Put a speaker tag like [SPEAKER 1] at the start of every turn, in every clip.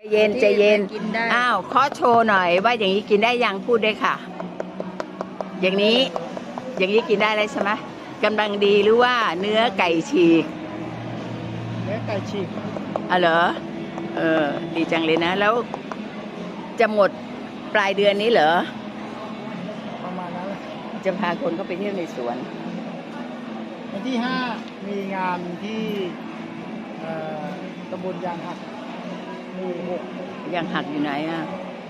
[SPEAKER 1] เย็นใจเย็น
[SPEAKER 2] กินได้
[SPEAKER 1] อ้าวขอโชว์หน่อยว่าอย่างนี้กินได้ยังพูดได้ค่ะ อย่างนี้กินได้เลยใช่ไหมกำลังดีหรือว่าเนื้อไก่ฉีก
[SPEAKER 3] เนื้อไก่ฉีก
[SPEAKER 1] อ๋อเหรอดีจังเลยนะแล้วจะหมดปลายเดือนนี้เหรอ
[SPEAKER 3] ประมาณนั้นแหละ
[SPEAKER 1] จะพาคนเข้าไปเที่ยวในสวน
[SPEAKER 3] วันที่ 5 มีงานที่ตำบลยางหักหมู่ 6
[SPEAKER 1] ยังหักอยู่ไหนอ่ะ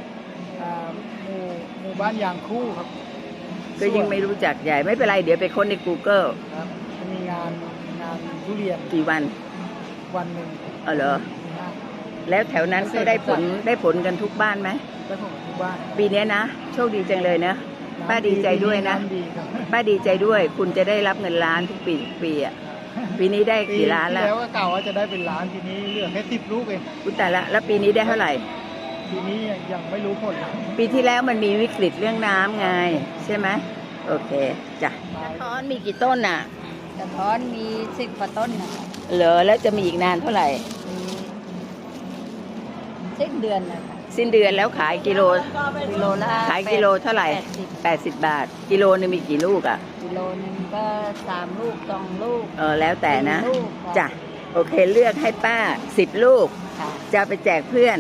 [SPEAKER 3] หมู่บ้านยางคู่ครับ
[SPEAKER 1] ก็ยังไม่รู้จักใหญ่ไม่เป็นไรเดี๋ยวไปค้นใน Google
[SPEAKER 3] ครับจะมีงานทุเรียน
[SPEAKER 1] กี่วัน
[SPEAKER 3] วันหนึ่ง
[SPEAKER 1] อ๋อเหรอ
[SPEAKER 3] ที่ห้า
[SPEAKER 1] แล้วแถวนั้นก็ได้ผลกันทุกบ้านไหม
[SPEAKER 3] ได้ผมทุกบ้าน
[SPEAKER 1] ปีนี้นะโชคดีจังเลยนะป้าดีใจด้วยนะ
[SPEAKER 3] ำดีครับ
[SPEAKER 1] ป้าดีใจด้วยคุณจะได้รับเงินล้านทุกปีอ่ะปีนี้ได้กี่ล้าน
[SPEAKER 3] ปี
[SPEAKER 1] แล้ว
[SPEAKER 3] ที่แล้วก็กล่าวว่าจะได้เป็นล้านทีนี้เหลือแค่10 ลูกเอง
[SPEAKER 1] คุณแต่ละแล้วปีนี้ได้เท่าไหร่
[SPEAKER 3] ทีนี้ยังไม่รู้ผลเลย
[SPEAKER 1] ปีที่แล้วมันมีวิกฤตเรื่องน้ำไงใช่ไหมโอเคจ้ะกระท้อนมีกี่ต้นอ่ะ
[SPEAKER 2] กระท้อนมี10 กว่าต้นนะคะ
[SPEAKER 1] เหรอแล้วจะมีอีกนานเท่าไหร่
[SPEAKER 2] มีสิ้นเดือนนะคะ
[SPEAKER 1] สิ้นเดือนแล้วขายกิโล
[SPEAKER 2] กิโลละ
[SPEAKER 1] ขายกิโลเท่าไหร่ 80 บาทกิโลนึงมีกี่ลูกอ่ะ
[SPEAKER 2] กิโลนึงก็3 ลูก 2 ลูก
[SPEAKER 1] แล้วแต่นะ
[SPEAKER 2] 4 ลูกค่ะ
[SPEAKER 1] จ้ะโอเคเลือกให้ป้า10 ลูก
[SPEAKER 2] ค่ะ
[SPEAKER 1] จะไปแจกเพื่อน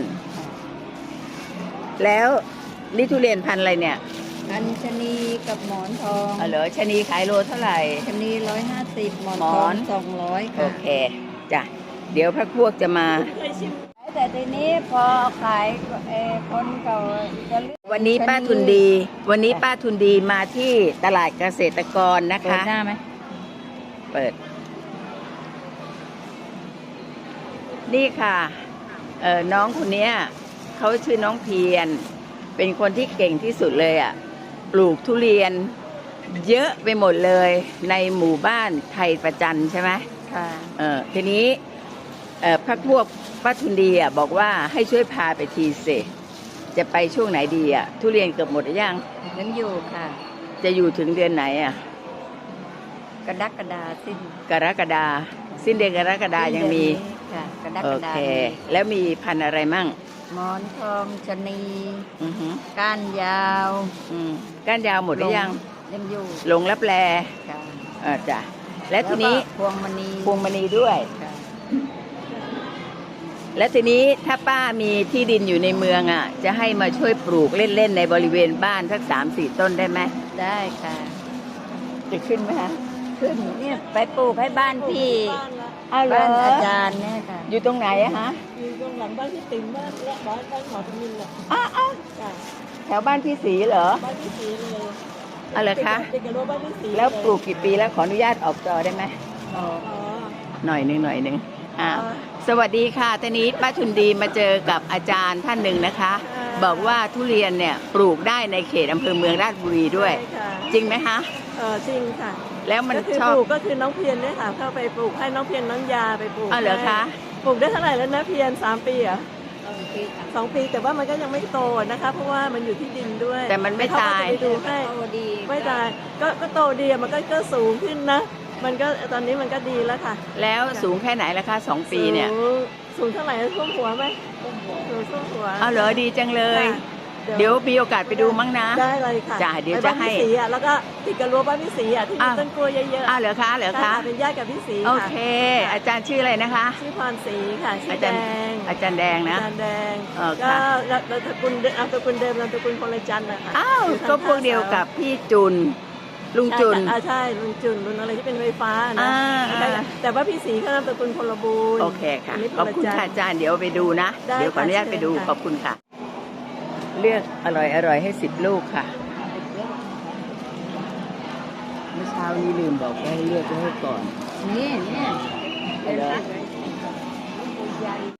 [SPEAKER 1] แล้วนี่ทุเรียนพันธุ์อะไรเนี่ย
[SPEAKER 2] อัญชนีกับหมอนทอง
[SPEAKER 1] เหรอชะนีขายโลเท่าไหร่
[SPEAKER 2] ชนี150 หมอน
[SPEAKER 1] หม
[SPEAKER 2] ท
[SPEAKER 1] อ
[SPEAKER 2] อน ง200
[SPEAKER 1] โอ
[SPEAKER 2] ค่ะ
[SPEAKER 1] เคจ้ะเดี๋ยวพระพวกจะมา
[SPEAKER 2] แต่ทีนี้พอขายคนเก่าจะเลือก
[SPEAKER 1] วันนี้ป้าทุนดี วันนี้ป้าทุนดีมาที่ตลาดเกษตรกรนะ
[SPEAKER 2] เปิด
[SPEAKER 1] คะ
[SPEAKER 2] หน้าไหม
[SPEAKER 1] เปิด นี่ค่ะน้องคนเนี้ยเขาชื่อน้องเพียรเป็นคนที่เก่งที่สุดเลยอ่ะปลูกทุเรียนเยอะไปหมดเลยในหมู่บ้านไทยประจันใช่ไหม
[SPEAKER 2] ค่ะ
[SPEAKER 1] ทีนี้พักพวกป้าทุนดีอ่ะบอกว่าให้ช่วยพาไปทีสิจะไปช่วงไหนดีอ่ะทุเรียนเกือบหมดหรือยัง
[SPEAKER 2] ยังอยู่ค่ะ
[SPEAKER 1] จะอยู่ถึงเดือนไหนอ่ะ
[SPEAKER 2] กระดักกระดาสิ้น
[SPEAKER 1] กรกฎาสิ้นเดือนกรกฎายังมี
[SPEAKER 2] ค่ะกระดัก
[SPEAKER 1] โอก
[SPEAKER 2] ระดา
[SPEAKER 1] เค แล้วมีพันธุ์อะไรมั่ง
[SPEAKER 2] หมอนทองชะนี
[SPEAKER 1] อือหือ
[SPEAKER 2] ก้านยาว
[SPEAKER 1] ก้านยาวหมดหรือยัง
[SPEAKER 2] ยังอยู่
[SPEAKER 1] หลงรับแล
[SPEAKER 2] ค่ะ
[SPEAKER 1] จ้ะและทีนี้
[SPEAKER 2] พวงมณี
[SPEAKER 1] พวงมณีด้วย
[SPEAKER 2] ค่ะ
[SPEAKER 1] และทีนี้ถ้าป้ามีที่ดินอยู่ในเมืองอ่ะ จะให้มาช่วยปลูกเล่นๆในบริเวณบ้านสัก3-4 ต้นได้ไหม
[SPEAKER 2] ได้ค่ะ
[SPEAKER 1] จะขึ้นไหมคะ
[SPEAKER 2] ขึ้นเนี่ยไปปลูกให้บ้านพี่
[SPEAKER 1] อ้าวเหร
[SPEAKER 2] บ้าน
[SPEAKER 1] อ
[SPEAKER 2] อาจารย์เนี่ยค่ะ
[SPEAKER 1] อยู่ตรงไหนอะฮะ
[SPEAKER 3] อยู่ตรงหลังบ้านพี่ติ๋มบ้านและบ้านหมอทมินแหละ
[SPEAKER 1] อ้าวแถวบ้านพี่ศรีเหรอ
[SPEAKER 3] บ้านพี่ศรีเลย
[SPEAKER 1] เอาเหรอคะ
[SPEAKER 3] ติดกับรั้วบ้านพี่ศรี
[SPEAKER 1] แล้วปลูกกี่ปีแล้วขออนุญาตออกจอได้ไหม
[SPEAKER 3] อ๋อ
[SPEAKER 1] หน่อยหนึ่งสวัสดีค่ะตอนนี้ป้าทุนดีมาเจอกับอาจารย์ท่านหนึ่งนะคะ บอกว่าทุเรียนเนี่ยปลูกได้ในเขตอำเภอเมืองราชบุรีด้วย จริงไหมคะ
[SPEAKER 4] จริงค่ะ
[SPEAKER 1] แล้วมัน
[SPEAKER 4] ก็คือ
[SPEAKER 1] ชอบ
[SPEAKER 4] ปลูกก็คือน้องเพียรเนี่ยค่ะเข้าไปปลูกให้น้องเพียรน้องยาไปปลูก
[SPEAKER 1] อ้าวเหรอคะ
[SPEAKER 4] ปลูกได้เท่าไหร่แล้วนะเพียร3 ปีเหรอ2 ปีแต่ว่ามันก็ยังไม่โตนะคะเพราะว่ามันอยู่ที่ดินด้วย
[SPEAKER 1] แต่มันไม่ตาย
[SPEAKER 4] เขก็จะไปดูให้
[SPEAKER 2] โตดี
[SPEAKER 4] ไม่ตายก็โตดีอะมันก็สูงขึ้นนะ มันก็ตอนนี้มันก็ดีแล้วค่ะ
[SPEAKER 1] แล้วสูงแค่ไหนล่ะคะ2 ปีเนี่ย
[SPEAKER 4] สูงเท่าไหร่ท่วมหัวไหมสูงท่วมหัว
[SPEAKER 1] เอาเหรอดีจังเลย
[SPEAKER 4] ค่ะ
[SPEAKER 1] เดี๋ยวมีโอกาสไปดูมั้งนะ
[SPEAKER 4] ได้เลยค่ะ
[SPEAKER 1] จ้ะเดี๋ยว
[SPEAKER 4] ไป
[SPEAKER 1] จะ
[SPEAKER 4] บ้าน
[SPEAKER 1] ให้
[SPEAKER 4] พี่ศรีอะแล้วก็ติดกับรั้วบ้านพี่ศรีอะที่มี
[SPEAKER 1] อ้าว
[SPEAKER 4] ต้นกล้วยเยอะๆ
[SPEAKER 1] อ้าวเหรอคะเหรอ
[SPEAKER 4] ใช่
[SPEAKER 1] คะ
[SPEAKER 4] เป็นญาติกับพี่ศรี
[SPEAKER 1] โอ
[SPEAKER 4] ค่ะ
[SPEAKER 1] เค อาจารย์ชื่ออะไรนะคะ
[SPEAKER 4] ชื่อพรศรีค่ะชื่
[SPEAKER 1] อา
[SPEAKER 4] อ
[SPEAKER 1] จา
[SPEAKER 4] แด
[SPEAKER 1] รย์
[SPEAKER 4] ง
[SPEAKER 1] อาจารย์แดงนะ
[SPEAKER 4] อาจารย์แดง
[SPEAKER 1] ค่ะ
[SPEAKER 4] ก็นามสกุลเดิมนามสกุลพลจันทร์นะคะ
[SPEAKER 1] อ้าว
[SPEAKER 4] อยู่ทาง
[SPEAKER 1] ก็พวกเดียวกับพี่จุนลุงจุน
[SPEAKER 4] ใช่ลุงจุนลุงอะไรที่เป็นไฟฟ้านะ
[SPEAKER 1] อ่า
[SPEAKER 4] แต่ว่าพี่ศรีเขานามสกุลพลบูรณ์
[SPEAKER 1] โอเคค่ะ
[SPEAKER 4] นนี้
[SPEAKER 1] ขอบคุณค่ะ
[SPEAKER 4] พลจันทร์
[SPEAKER 1] อาจารย์เดี๋ยวไปดูนะ
[SPEAKER 4] ได้
[SPEAKER 1] เดี๋ยวขออนุญาต
[SPEAKER 4] ค่ะ
[SPEAKER 1] ไปดู
[SPEAKER 4] เชิญค่ะ
[SPEAKER 1] ขอบคุณค่ะ เลือกอร่อยให้10 ลูกค่ะเมื่อเช้านี้ลืมบอกว่าให้เลือกไว้ให้ก่อน
[SPEAKER 2] นี่
[SPEAKER 1] เหรอ